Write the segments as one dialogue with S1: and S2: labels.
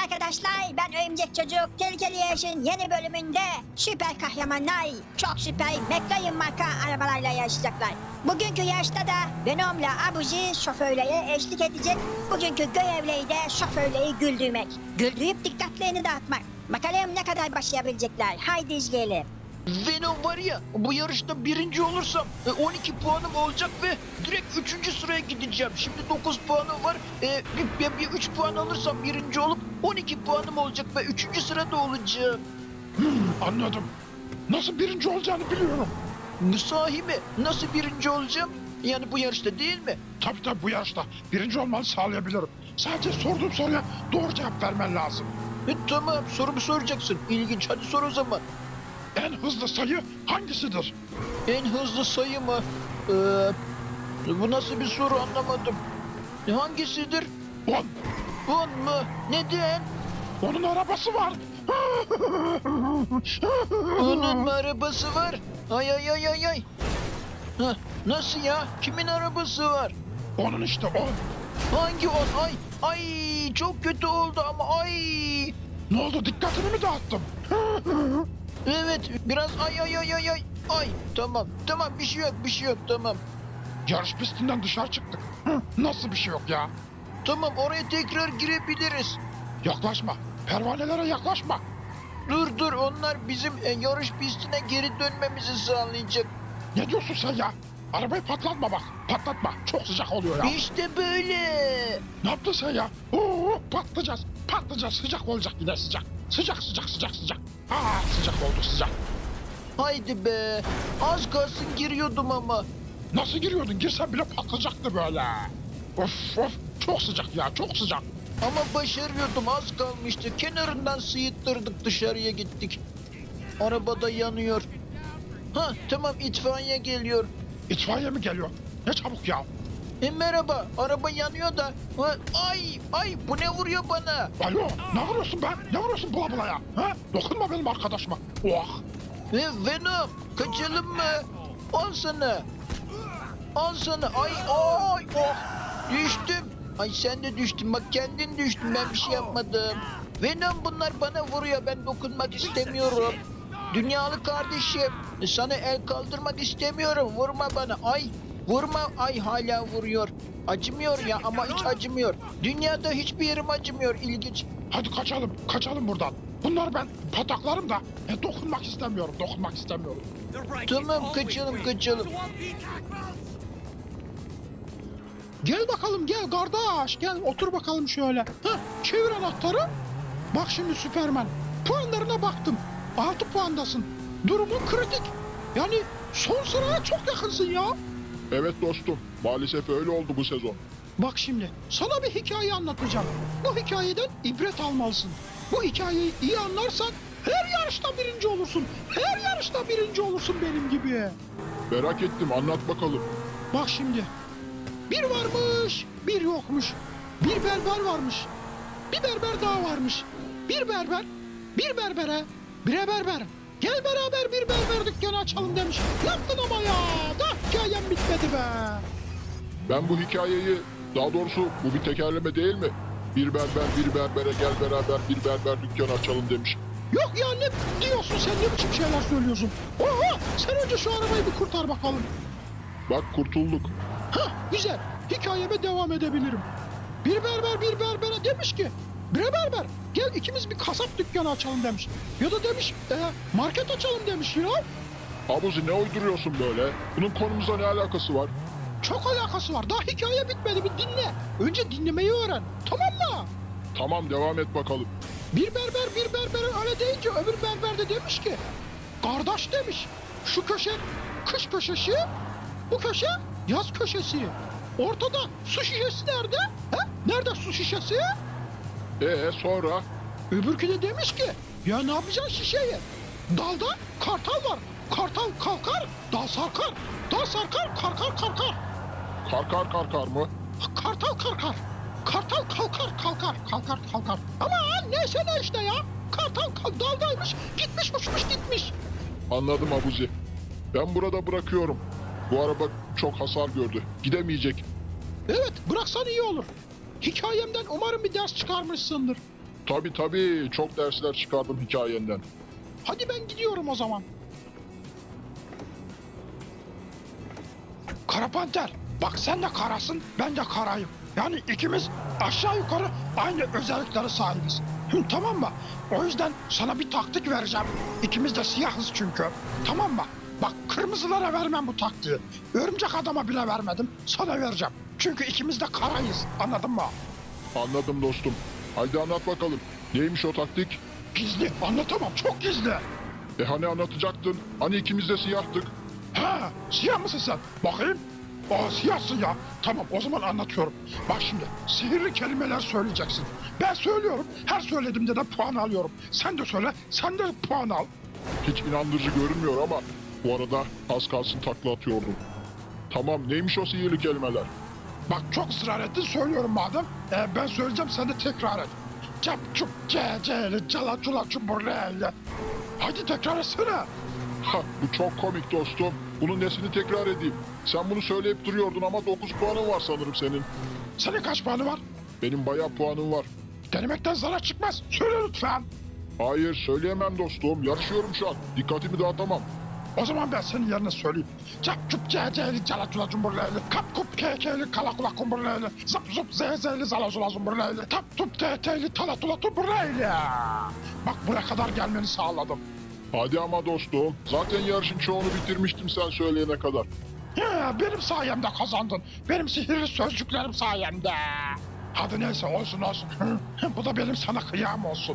S1: arkadaşlar, ben Örümcek Çocuk. Tehlikeli Yarış'ın yeni bölümünde süper kahramanlar çok süper McLaren marka arabalarla yarışacaklar. Bugünkü yarışta da Venom'la Abuzi şoförlere eşlik edecek. Bugünkü görevleri de şoförleri güldürmek. Güldürüp dikkatlerini dağıtmak. Bakalım ne kadar başlayabilecekler. Haydi izleyelim.
S2: Venom var ya, bu yarışta birinci olursam 12 puanım olacak ve direkt 3. sıraya gideceğim. Şimdi 9 puanım var. Bir 3 puan alırsam birinci olup 12 puanım olacak ve 3. sırada olacağım.
S3: Anladım. Nasıl birinci olacağını biliyorum.
S2: Sahi mi? Nasıl birinci olacağım? Yani bu yarışta değil mi?
S3: Tabii bu yarışta birinci olmanı sağlayabilirim. Sadece sorduğum soruya doğru cevap vermen lazım.
S2: Tamam, sorumu soracaksın. İlginç, hadi sor o zaman.
S3: En hızlı sayı hangisidir?
S2: En hızlı sayı mı? Bu nasıl bir soru, anlamadım. Hangisidir?
S3: 10.
S2: 10 mu? Neden?
S3: Onun arabası var.
S2: Onun mu arabası var? Ay ay ay ay ay. Hah, nasıl ya? Kimin arabası var?
S3: Onun işte 10.
S2: Hangi 10? Ay ay, çok kötü oldu ama ay.
S3: Ne oldu, dikkatini mi dağıttım?
S2: Evet, biraz ay ay ay ay ay. Ay, tamam bir şey yok tamam.
S3: Yarış pistinden dışarı çıktık. Nasıl bir şey yok ya?
S2: Tamam, oraya tekrar girebiliriz.
S3: Yaklaşma. Pervanelere yaklaşma.
S2: Dur, onlar bizim yarış pistine geri dönmemizi sağlayacak.
S3: Ne diyorsun sen ya? Arabayı patlatma bak. Patlatma. Çok sıcak oluyor ya.
S2: İşte böyle.
S3: Ne yaptın sen ya? Oo, patlayacağız. Patlayacağız. Sıcak olacak yine sıcak. Sıcak. Sıcak oldu sıcak.
S2: Haydi be. Az kalsın giriyordum ama.
S3: Nasıl giriyordun? Girsen bile patlayacaktı böyle. Of. Çok sıcak ya. Çok sıcak.
S2: Ama başarıyordum, az kalmıştı. Kenarından sıyıttırdık, dışarıya gittik. Arabada yanıyor. Ha tamam, itfaiye geliyor.
S3: İtfaiye mi geliyor? Ne çabuk ya.
S2: Merhaba, araba yanıyor da. Ha, ay bu ne vuruyor bana?
S3: Alo, ne vuruyorsun be? Ne vuruyorsun bula ya? Ha? Dokunma benim arkadaşıma. Oh.
S2: Venom, kaçalım mı? Al sana. Ay oh. Düştüm. Ay sen de düştün, bak kendin düştün, ben bir şey yapmadım. Venom, bunlar bana vuruyor, ben dokunmak istemiyorum. Dünyalı kardeşim, sana el kaldırmak istemiyorum, vurma bana. Ay vurma, ay hala vuruyor. Acımıyor ya, ama hiç acımıyor. Dünyada hiçbir yerim acımıyor, ilginç.
S3: Hadi kaçalım buradan. Bunlar ben pataklarım da dokunmak istemiyorum.
S2: Tamam, kaçalım.
S4: Gel bakalım, gel kardeş, gel otur bakalım şöyle. Heh, çevir anahtarı. Bak şimdi Süpermen, puanlarına baktım. 6 puandasın. Durumun kritik. Yani son sıraya çok yakınsın ya.
S5: Evet dostum, maalesef öyle oldu bu sezon.
S4: Bak şimdi sana bir hikaye anlatacağım. Bu hikayeden ibret almalısın. Bu hikayeyi iyi anlarsan her yarışta birinci olursun benim gibi.
S5: Merak ettim, anlat bakalım.
S4: Bak şimdi. Bir varmış, bir yokmuş. Bir berber varmış. Bir berber daha varmış. Bir berber, bir berbere, bire berber. Gel beraber bir berber dükkanı açalım demiş. Yaptın ama ya. Daha hikayem bitmedi be.
S5: Ben bu hikayeyi, daha doğrusu bu bir tekerleme değil mi? Bir berber bir berbere gel beraber bir berber dükkanı açalım demiş.
S4: Yok ya, ne diyorsun sen, ne biçim şeyler söylüyorsun? Oha, sen önce şu arabayı bir kurtar bakalım.
S5: Bak kurtulduk.
S4: Hah, güzel, hikayeme devam edebilirim. Bir berber bir berbere demiş ki, bre berber gel ikimiz bir kasap dükkanı açalım demiş. Ya da demiş market açalım demiş ya.
S5: Abuzi, ne uyduruyorsun böyle? Bunun konumuzla ne alakası var?
S4: Çok alakası var, daha hikaye bitmedi, bir dinle. Önce dinlemeyi öğren, tamam mı?
S5: Tamam, devam et bakalım.
S4: Bir berber bir berbere öyle deyince öbür berber de demiş ki, kardeş demiş, şu köşe kış köşesi, bu köşe yaz köşesi. Ortada su şişesi nerede? He? Nerede su şişesi?
S5: Sonra?
S4: Öbürkü de demiş ki, ya ne yapacaksın şişeyi? Dalda kartal var. Kartal kalkar, dal sarkar. Dal sarkar, karkar karkar.
S5: Karkar mı?
S4: Kartal karkar. Kartal kalkar. Ama neyse ne işte ya. Kartal daldaymış, gitmiş uçmuş gitmiş.
S5: Anladım Abuzi. Ben burada bırakıyorum. Bu araba çok hasar gördü. Gidemeyecek.
S4: Evet, bıraksan iyi olur. Hikayemden umarım bir ders çıkarmışsındır.
S5: Tabii çok dersler çıkardım hikayenden.
S4: Hadi ben gidiyorum o zaman. Kara Panter, bak sen de karasın, ben de karayım. Yani ikimiz aşağı yukarı aynı özelliklere sahibiz. Tamam mı? O yüzden sana bir taktik vereceğim. İkimiz de siyahız çünkü. Tamam mı? Bak kırmızılara vermem bu taktiği. Örümcek adama bile vermedim. Sana vereceğim. Çünkü ikimiz de karayız. Anladın mı?
S5: Anladım dostum. Haydi anlat bakalım. Neymiş o taktik?
S4: Gizli. Anlatamam. Çok gizli.
S5: Hani anlatacaktın? Hani ikimiz de siyahtık?
S4: Ha, siyah mısın sen? Bakayım. Aa, siyahsın ya. Tamam, o zaman anlatıyorum. Bak şimdi, sihirli kelimeler söyleyeceksin. Ben söylüyorum, her söylediğimde de puan alıyorum. Sen de söyle, sen de puan al.
S5: Hiç inandırıcı görünmüyor ama bu arada az kalsın takla atıyordum. Tamam, neymiş o sihirli kelimeler?
S4: Bak çok ısrar ettin, söylüyorum madem. Ben söyleyeceğim, sen de tekrar et. Cap çup ceceli cala cula çuburleyle. Hadi tekrar etsene.
S5: Ha, bu çok komik dostum. Bunun nesini tekrar edeyim? Sen bunu söyleyip duruyordun ama 9 puanın var sanırım senin.
S4: Senin kaç puanı var?
S5: Benim bayağı puanım var.
S4: Denemekten zarar çıkmaz. Söyle lütfen.
S5: Hayır, söyleyemem dostum. Yarışıyorum şu an. Dikkatimi dağıtamam.
S4: O zaman ben senin yerine söyleyeyim. Cap çup ceceli cala cula cumburleyli. Kap kup kekeli kala kula kumburleyli. Zap zup zezeli zala zula zumburleyli. Tap tup teteli tala tula tumburleyli. Bak buraya kadar gelmeni sağladım.
S5: Hadi ama dostum. Zaten yarışın çoğunu bitirmiştim sen söyleyene kadar.
S4: Benim sayemde kazandın. Benim sihirli sözcüklerim sayemde. Hadi neyse olsun olsun. Bu da benim sana kıyam olsun.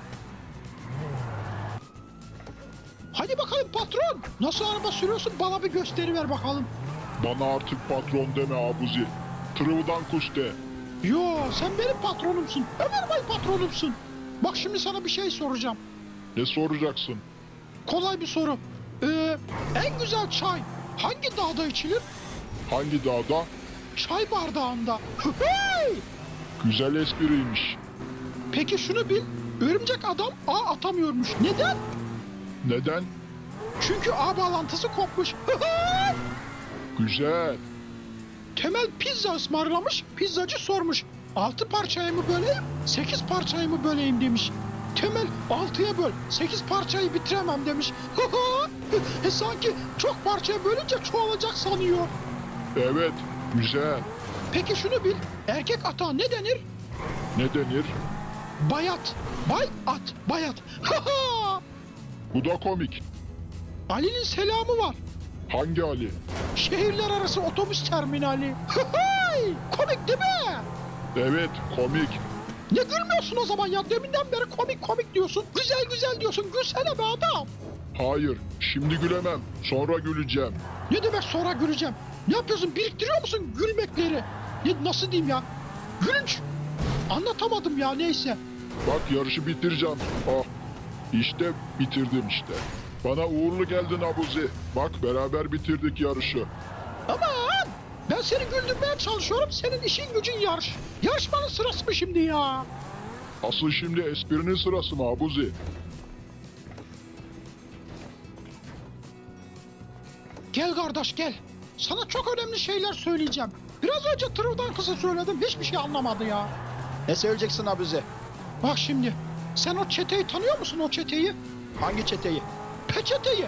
S4: Hadi bakalım patron. Nasıl araba sürüyorsun bana bir gösteri ver bakalım.
S5: Bana artık patron deme Abuzi. Tırıvıdan kuş de.
S4: Yo sen benim patronumsun. Ömer Bey patronumsun. Bak şimdi sana bir şey soracağım.
S5: Ne soracaksın?
S4: Kolay bir soru. En güzel çay hangi dağda içilir?
S5: Hangi dağda?
S4: Çay bardağında. Hey!
S5: Güzel espriymiş.
S4: Peki şunu bil. Örümcek adam ağ atamıyormuş. Neden?
S5: Neden?
S4: Çünkü ağ bağlantısı kopmuş.
S5: Güzel.
S4: Temel pizza ısmarlamış. Pizzacı sormuş. 6 parçayı mı böleyim, 8 parçayı mı böleyim demiş. Temel 6'ya böl, 8 parçayı bitiremem demiş. Sanki çok parçaya bölünce çoğalacak sanıyor.
S5: Evet, güzel.
S4: Peki şunu bil. Erkek ata ne denir?
S5: Ne denir?
S4: Bayat. Bay-at. Bayat.
S5: Bu da komik.
S4: Ali'nin selamı var.
S5: Hangi Ali?
S4: Şehirler arası otobüs terminali. Komik değil mi?
S5: Evet, komik.
S4: Ne gülmüyorsun o zaman ya? Deminden beri komik komik diyorsun. Güzel güzel diyorsun. Gülsene be adam.
S5: Hayır, şimdi gülemem. Sonra güleceğim.
S4: Ne demek sonra güleceğim? Ne yapıyorsun? Biriktiriyor musun gülmekleri? Nasıl diyeyim ya? Gülünç. Anlatamadım ya neyse.
S5: Bak yarışı bitireceğim. Ah, işte bitirdim işte. Bana uğurlu geldin Abuzi. Bak beraber bitirdik yarışı.
S4: Aman! Ben seni güldürmeye çalışıyorum. Senin işin gücün yarış. Yarışmanın sırası mı şimdi ya?
S5: Asıl şimdi esprinin sırası mı Abuzi?
S4: Gel kardeş gel. Sana çok önemli şeyler söyleyeceğim. Biraz önce tırıvdan kısa söyledim. Hiçbir şey anlamadı ya.
S2: Ne söyleyeceksin Abuzi?
S4: Bak şimdi. Sen o çeteyi tanıyor musun o çeteyi?
S2: Hangi çeteyi?
S4: Peçeteyi.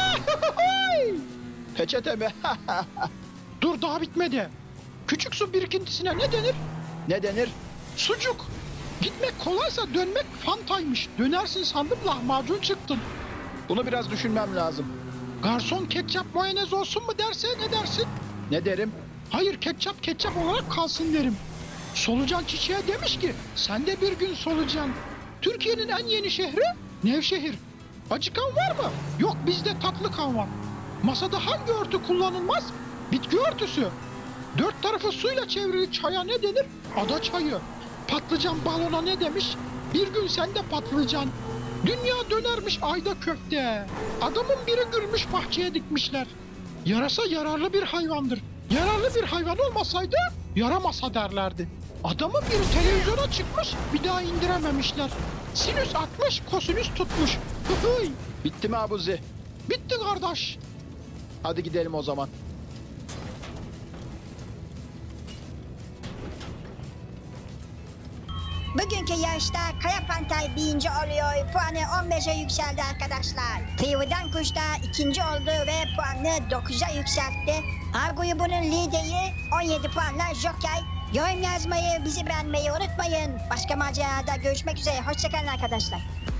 S2: Peçete mi?
S4: Dur daha bitmedi. Küçük su birikintisine ne denir?
S2: Ne denir?
S4: Sucuk. Gitmek kolaysa dönmek fantaymış. Dönersin sandım lahmacun çıktın.
S2: Bunu biraz düşünmem lazım.
S4: Garson ketçap mayonez olsun mu derse ne dersin?
S2: Ne derim?
S4: Hayır ketçap olarak kalsın derim. Solucan çiçeğe demiş ki sen de bir gün solucan. Türkiye'nin en yeni şehri Nevşehir. Acıkan var mı? Yok bizde tatlı kan var. Masada hangi örtü kullanılmaz? Bitki örtüsü. Dört tarafı suyla çevrili çaya ne denir? Ada çayı. Patlıcan balona ne demiş? Bir gün sen de patlıcan. Dünya dönermiş ayda köfte. Adamın biri gülmüş bahçeye dikmişler. Yarasa yararlı bir hayvandır. Yararlı bir hayvan olmasaydı yaramasa derlerdi. Adamın biri televizyona çıkmış bir daha indirememişler. Sinüs atmış kosinüs tutmuş. Hıhıy.
S2: Bitti mi Abuzi?
S4: Bitti kardeş.
S2: Hadi gidelim o zaman.
S1: Bugünkü bugünkü yarışta Kaya Pantay birinci oluyor. Puanı 15'e yükseldi arkadaşlar. Tıyvıdan Kuş da ikinci oldu ve puanını 9'a yükseltti. A grubunun lideri 17 puanla Joker. Yorum yazmayı, bizi beğenmeyi unutmayın. Başka macerada görüşmek üzere. Hoşçakalın arkadaşlar.